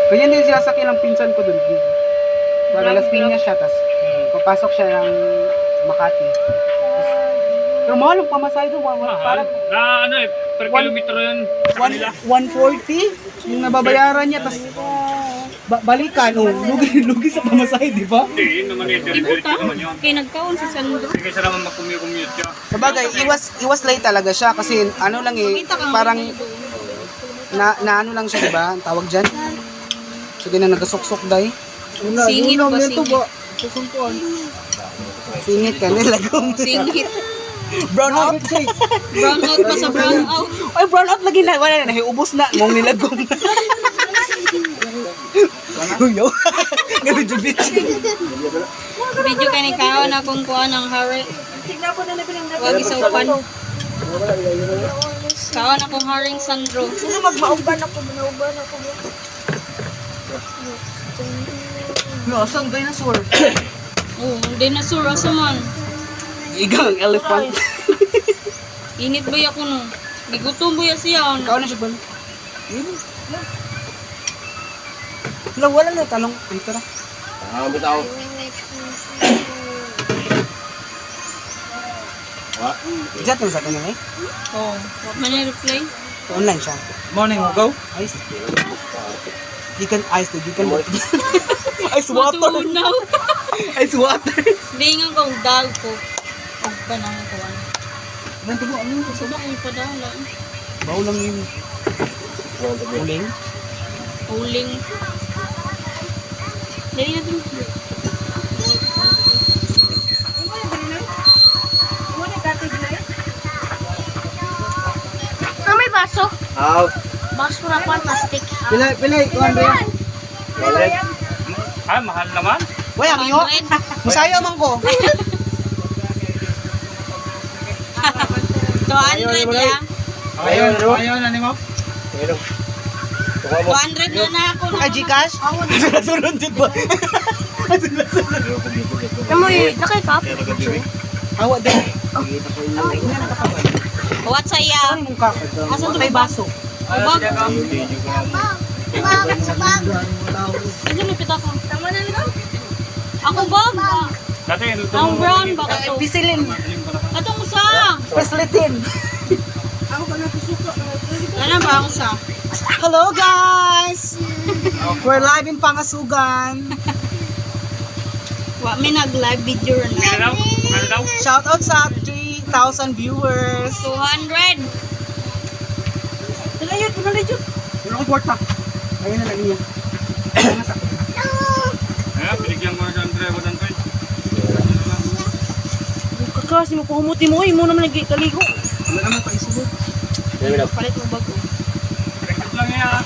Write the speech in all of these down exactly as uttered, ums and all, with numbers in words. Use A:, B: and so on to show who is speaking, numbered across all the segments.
A: Ganyan din siya sa kilang pinsan ko dun. Para Las Piñas siya, tapos papasok siya ng Makati. Tas, pero mahal ang pamasahe doon.
B: Mahal.
A: Parang
B: Na ano eh, per
A: One-
B: kilometro yun.
A: one forty yung nababayaran niya, tapos ba- balikan, oh, lugi, lugi sa pamasahe, di ba?
B: Hindi, yun naman eh, diretso naman yun.
C: Kaya nagkaon si Sandro.
B: Sige, sa naman mag-commute siya.
A: Sabagay, iwas, iwas late talaga siya kasi ano lang eh, parang na, na ano lang siya, di ba? Ang tawag dyan. Sige na nagasuksok day.
C: Singit ba singit?
A: Singit ka, nilagong.
C: Singit.
A: Brown out.
C: Brown out pa sa brown out.
A: Ay, brown out lagi na. Wala na, nahiubos na. Mong nilagong. Uyaw. Ganun yung bitch.
C: Video kay ni kaon akong kuan ng hari. Wag isaupan. Kaon akong haring Sandro.
D: Sino magmauban ako, manauban ako.
A: No, saan dinosaur?
C: Oh, dinosaur asa man.
A: Igang elephant.
C: Init ba ako no? Gigutom ba siya?
A: Ikaw na siya ba? Wala, wala na talong. Ay, tara.
E: Ah, bitaw. What?
A: Ijat mo sa kanya eh.
C: Oh, what man yung reply?
A: Online siya.
B: Morning, go.
A: Ice. Gikan ice to, gikan water. Ice water.
C: Matunaw.
A: Ice water.
C: Dingan kong dag ko. Og pa nang kuan.
A: Nanti mo, ano?
C: Sa ba kung padala?
A: Bawo lang yun. Uling.
C: Uling. Dali na din.
D: Ah, may baso.
E: Aw.
D: Baso na pa, plastic.
A: Pilay, pilay. Kuhan ba yan?
E: Wallet.
B: Ah, mahal naman.
A: Wala, ang iyo. Musaya man ko.
C: two hundred ya.
E: Ayaw, ano?
B: Ayaw na ni mo.
E: Pero. Tuwa mo.
C: two hundred na na ako na.
A: Kay Gcash? Sunod dyan ba?
D: Namoy, nakay kap.
A: Awa din.
C: What sa iya?
A: Saan mong kakad?
C: Asan to
A: May baso.
C: Ubag. Ano may pita ko?
D: Tama na lang.
C: Ako bag.
B: Dati, ito.
C: Ang brown ba ka to?
A: Pisilin.
C: Atong sa.
A: Pislitin.
C: Ano ba ang sa?
A: Hello guys! We're live in Pangasugan.
C: Wa may nag-live video
B: Ano
C: na.
B: daw? Ano daw?
A: Shout out sa three thousand viewers.
C: two hundred.
A: Tulayot, tulayot. Wala ko kwarta. Ayun na lang niya.
B: Eh, binigyan ko na siya, Andre. What Andre?
D: Kakas, mo puhumuti mo. Imo naman nagkaligo.
A: Wala naman pa isubot.
C: Palit mo bag ko.
B: Rekod lang yan.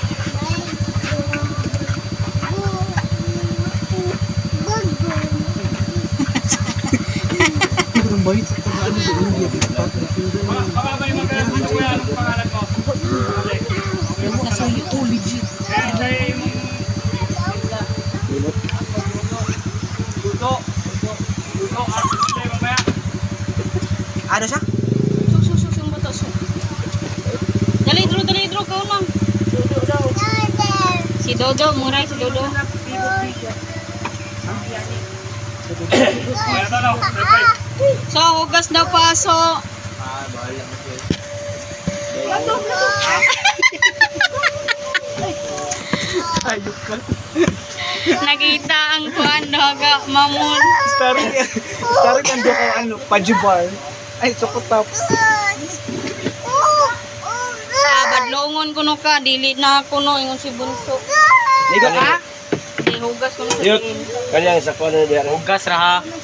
A: Hindi ko nang bayit sa tagaan ng India.
B: Baka ba yung magkaya sa kuya? Anong pangalan mo?
A: Alam mo, nasa iyo. Oh, legit.
B: Eh, siya yung... Luto. Luto. Ah, hindi, mamaya.
A: Ano siya?
C: Sus sus sus yung bata sus. Dali dro dali dro ka na. Si Dodo, muray si Dodo.
B: Kaya ito daw. Reply.
C: So, hugas daw paso.
A: Ayok ka.
C: Nakita ang kuan daga mamon.
A: Starring, starring ang doon kang ano, pajubar. Ay, choco tops.
C: Ah, badlongon kuno ka, dili na kuno ingon si Bunso.
A: Ligo ka?
C: Di hugas kuno sa
E: Yun.
C: tingin.
E: Kanyang sa kuwan na diyan.
B: Hugas ra ha.